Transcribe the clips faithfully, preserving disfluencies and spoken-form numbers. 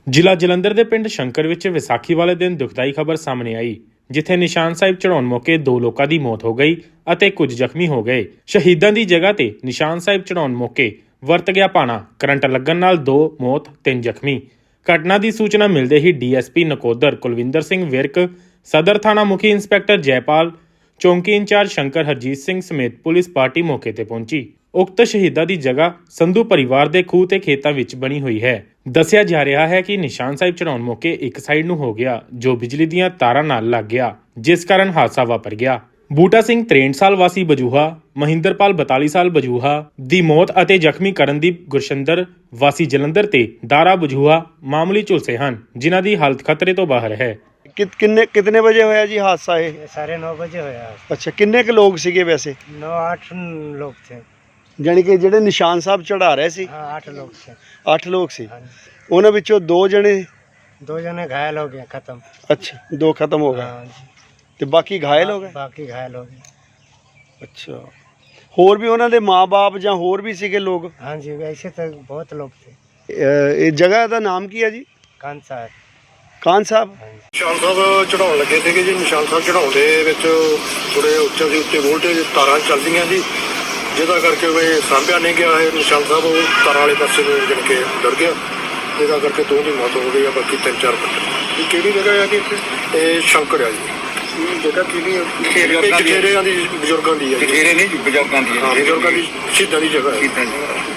ਜ਼ਿਲ੍ਹਾ ਜਲੰਧਰ ਦੇ ਪਿੰਡ ਸ਼ੰਕਰ ਵਿੱਚ ਵਿਸਾਖੀ ਵਾਲੇ ਦਿਨ ਦੁਖਦਾਈ ਖਬਰ ਸਾਹਮਣੇ ਆਈ, ਜਿੱਥੇ ਨਿਸ਼ਾਨ ਸਾਹਿਬ ਚੜਾਉਣ ਮੌਕੇ ਦੋ ਲੋਕਾਂ ਦੀ ਮੌਤ ਹੋ ਗਈ ਅਤੇ ਕੁਝ ਜ਼ਖਮੀ ਹੋ ਗਏ। ਸ਼ਹੀਦਾਂ ਦੀ ਜਗ੍ਹਾ ਤੇ ਨਿਸ਼ਾਨ ਸਾਹਿਬ ਚੜਾਉਣ ਮੌਕੇ ਵਰਤ ਗਿਆ ਪਾਣਾ, ਕਰੰਟ ਲੱਗਣ ਨਾਲ ਦੋ ਮੌਤ, ਤਿੰਨ ਜ਼ਖਮੀ। ਘਟਨਾ ਦੀ ਸੂਚਨਾ ਮਿਲਦੇ ਹੀ D S P Nakodar Kulwinder Singh Virk, ਸਦਰ ਥਾਣਾ ਮੁਖੀ ਇੰਸਪੈਕਟਰ ਜੈਪਾਲ, ਚੌਂਕੀ ਇੰਚਾਰਜ ਸ਼ੰਕਰ ਹਰਜੀਤ ਸਿੰਘ ਸਮੇਤ ਪੁਲਿਸ ਪਾਰਟੀ ਮੌਕੇ ਤੇ ਪਹੁੰਚੀ। ਉਕਤ ਸ਼ਹੀਦਾਂ ਦੀ ਜਗ੍ਹਾ ਸੰਧੂ ਪਰਿਵਾਰ ਦੇ ਖੂਹ ਤੇ ਖੇਤਾਂ ਵਿੱਚ ਬਣੀ ਹੋਈ ਹੈ। ਦੱਸਿਆ ਜਾ ਰਿਹਾ ਹੈ ਕਿ ਨਿਸ਼ਾਨ ਸਾਹਿਬ ਚੜਾਉਣ ਮੌਕੇ ਇੱਕ ਸਾਈਡ ਨੂੰ ਹੋ ਗਿਆ, ਜੋ ਬਿਜਲੀ ਦੀਆਂ ਤਾਰਾਂ ਨਾਲ ਲੱਗ ਗਿਆ, ਜਿਸ ਕਾਰਨ ਹਾਦਸਾ ਵਾਪਰ ਗਿਆ। ਬੂਟਾ ਸਿੰਘ ਤਰੇਂਹਠ ਸਾਲ ਵਾਸੀ ਬਜੂਹਾ, ਮਹਿੰਦਰਪਾਲ ਬਤਾਲੀ ਸਾਲ ਬਜੂਹਾ ਦੀ ਮੌਤ ਅਤੇ ਜ਼ਖਮੀ ਕਰਨਦੀਪ ਗੁਰਸ਼ੰਦਰ ਵਾਸੀ ਜਲੰਧਰ ਤੇ ਦਾਰਾ ਬਜੂਹਾ ਮਾਮੂਲੀ ਝੁਲਸੇ ਹਨ, ਜਿਨ੍ਹਾਂ ਦੀ ਹਾਲਤ ਖਤਰੇ ਤੋਂ ਬਾਹਰ ਹੈ। कितने कितने बजे होया जी हादसा ये? साढ़े नौ बजे होया। अच्छा, किन्ने के लोग सीगे वैसे? नौ आठ लोग थे। यानी कि जेडे निशान साहब चढ़ा रहे सी? हाँ, आठ लोग थे। आठ लोग सी। हाँ, उन्होंने विचों दो जने दो जने घायल हो गए, खत्म। अच्छा, दो खत्म हो गए। हाँ, ते बाकी घायल हो गए? बाकी घायल हो गए। अच्छा, होर भी उन्होंने माँ बाप या होर भी सीगे लोग? हाँ जी, ऐसे तो बहुत लोग थे। ये जगह का नाम की है जी? कान साहब। ਕਾਨ ਸਾਹਿਬ ਨਿਸ਼ਾਨ ਸਾਹਿਬ ਚੜਾਉਣ ਲੱਗੇ ਸੀਗੇ ਜੀ। ਨਿਸ਼ਾਨ ਸਾਹਿਬ ਚੜਾਉਣ ਦੇ ਵਿੱਚ ਥੋੜੇ ਉੱਚੇ ਦੀ ਉੱਤੇ ਵੋਲਟੇਜ ਤਾਰਾਂ ਚੱਲਦੀਆਂ ਜੀ, ਜਿਹਦਾ ਕਰਕੇ ਉਹ ਸਾਂਭਿਆ ਨਹੀਂ ਗਿਆ। ਇਹ ਨਿਸ਼ਾਨ ਸਾਹਿਬ ਉਹ ਤਾਰਾਂ ਵਾਲੇ ਪਾਸੇ ਨੂੰ ਜਿਣ ਕੇ ਡਰ ਗਿਆ, ਜਿਹਦਾ ਕਰਕੇ ਦੋ ਦੀ ਮੌਤ ਹੋ ਗਈ ਆ, ਬਾਕੀ ਤਿੰਨ ਚਾਰ ਬੰਦੇ। ਇਹ ਕਿਹੜੀ ਜਗ੍ਹਾ ਆ ਕਿ ਇਹ ਸ਼ੰਕਰ ਆ ਜੀ। ਇਹ ਜਗ੍ਹਾ ਕਿਹੜੀ? ਜਠੇਰਿਆਂ ਦੀ, ਬਜ਼ੁਰਗਾਂ ਦੀ ਆ। ਜਠੇਰੇ ਨਹੀਂ ਜੀ, ਬਜ਼ੁਰਗਾਂ ਦੀ। ਹਾਂ, ਬਜ਼ੁਰਗਾਂ ਦੀ, ਸ਼ਹੀਦਾਂ ਦੀ ਜਗ੍ਹਾ ਹੈ।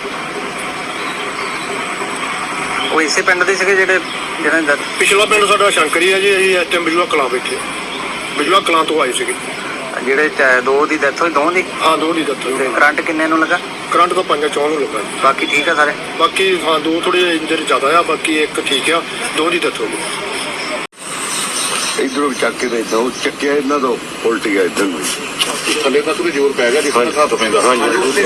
ਉਹ ਇਸੇ ਪਿੰਡ ਦੇ ਸੀਗੇ ਜਿਹੜੇ ਜਿਹੜਾ ਪਿਛਲਾ ਪਿੰਡ ਸਾਡਾ ਸ਼ੰਕਰੀ ਹੈ ਜੀ। ਅਸੀਂ ਇਸ ਟਾਈਮ ਬਜੂਆ ਕਲਾਂ ਬੈਠੇ, ਬਜੂਆ ਕਲਾਂ ਤੋਂ ਆਏ ਸੀਗੇ। ਜਿਹੜੇ ਚ- ਦੋ ਦੀ ਡੈਥ ਹੋਈ, ਦੋ ਦੀ? ਹਾਂ, ਦੋ ਦੀ ਦੱਸੋ। ਤੇ ਕਰੰਟ ਕਿੰਨੇ ਨੂੰ ਲੱਗਾ? ਕਰੰਟ ਤਾਂ ਪੰਜਾਂ ਚੌਂ ਨੂੰ ਲੱਗਾ ਜੀ। ਬਾਕੀ ਠੀਕ ਆ ਸਾਰੇ? ਬਾਕੀ ਹਾਂ, ਦੋ ਥੋੜੇ ਇੰਜਰ ਜ਼ਿਆਦਾ ਆ, ਬਾਕੀ ਇੱਕ ਠੀਕ ਆ, ਦੋ ਦੀ ਡੈਥ ਹੋ ਗਈ। ਇਧਰੋਂ ਚੱਕ ਕੇ ਤੇ ਦੋ ਚੱਕਿਆ ਇਹਨਾਂ ਤੋਂ ਉਲਟੀ ਗਿਆ ਇਧਰ ਨੂੰ। ਥੱਲੇ ਤਾਂ ਥੋੜੀ ਜ਼ੋਰ ਪੈ ਗਿਆ ਜੀ, ਹਾਂਜੀ। ਹੱਥ ਪੈਂਦਾ। ਹਾਂਜੀ,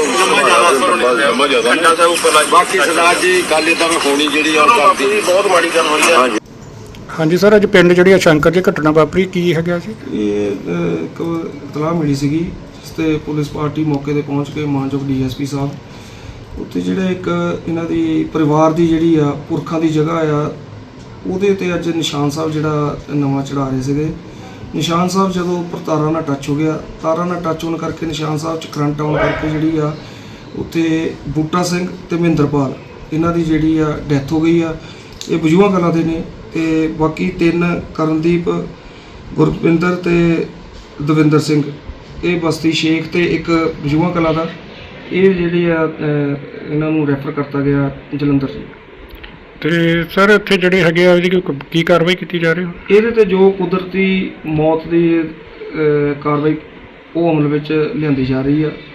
ਬਾਕੀ ਸਰਦਾਰ ਜੀ ਗੱਲ ਇਦਾਂ ਹੋਣੀ ਜਿਹੜੀ ਆ ਕਰਦੀ ਬਹੁਤ ਮਾੜੀ ਗੱਲ ਹੋਈ ਹੈ। ਹਾਂਜੀ ਹਾਂਜੀ ਸਰ, ਅੱਜ ਪਿੰਡ ਜਿਹੜੀ ਆ ਸ਼ੰਕਰ ਜੀ ਘਟਨਾ ਵਾਪਰੀ, ਕੀ ਹੈਗਾ ਸੀ? ਇਹ ਅ, ਇੱਕ ਇਤਲਾਹ ਮਿਲੀ ਸੀਗੀ, ਜਿਸ 'ਤੇ ਪੁਲਿਸ ਪਾਰਟੀ ਮੌਕੇ 'ਤੇ ਪਹੁੰਚ ਕੇ ਮਾਨਯੋਗ ਡੀ ਐਸ ਪੀ ਸਾਹਿਬ ਉੱਥੇ ਜਿਹੜੇ ਇੱਕ ਇਹਨਾਂ ਦੀ ਪਰਿਵਾਰ ਦੀ ਜਿਹੜੀ ਆ ਪੁਰਖਾਂ ਦੀ ਜਗ੍ਹਾ ਆ, ਉਹਦੇ 'ਤੇ ਅੱਜ ਨਿਸ਼ਾਨ ਸਾਹਿਬ ਜਿਹੜਾ ਨਵਾਂ ਚੜ੍ਹਾ ਰਹੇ ਸੀਗੇ। ਨਿਸ਼ਾਨ ਸਾਹਿਬ ਜਦੋਂ ਉੱਪਰ ਤਾਰਾਂ ਨਾਲ ਟੱਚ ਹੋ ਗਿਆ, ਤਾਰਾਂ ਨਾਲ ਟੱਚ ਹੋਣ ਕਰਕੇ ਨਿਸ਼ਾਨ ਸਾਹਿਬ 'ਚ ਕਰੰਟ ਆਉਣ ਕਰਕੇ ਜਿਹੜੀ ਆ ਉੱਥੇ ਬੂਟਾ ਸਿੰਘ ਤੇ ਮਹਿੰਦਰਪਾਲ ਇਹਨਾਂ ਦੀ ਜਿਹੜੀ ਆ ਡੈਥ ਹੋ ਗਈ ਆ। ਇਹ ਬਜੂਆ ਕਲਾਂ ਦੇ ਨੇ, ਤੇ ਬਾਕੀ ਤਿੰਨ ਕਰਨਦੀਪ, ਗੁਰਵਿੰਦਰ ਤੇ ਦਵਿੰਦਰ ਸਿੰਘ, ਇਹ ਬਸਤੀ ਸ਼ੇਖ ਤੇ ਇੱਕ ਬਜੂਆ ਕਲਾਂ ਦਾ, ਇਹ ਜਿਹੜੇ ਆ ਇਹਨਾਂ ਨੂੰ ਰੈਫਰ ਕਰਤਾ ਗਿਆ ਜਲੰਧਰ ਜੀ। ਤੇ ਸਰ ਇੱਥੇ ਜਿਹੜੇ ਹੈਗੇ ਆ, ਇਹਦੀ ਕੋਈ ਕੀ ਕਾਰਵਾਈ ਕੀਤੀ ਜਾ ਰਹੀ ਹੈ? ਇਹਦੇ ਤੇ ਜੋ ਕੁਦਰਤੀ ਮੌਤ ਦੀ ਅ, ਕਾਰਵਾਈ ਉਹ ਅਮਲ ਵਿੱਚ ਲਿਆਂਦੀ ਜਾ ਰਹੀ ਆ।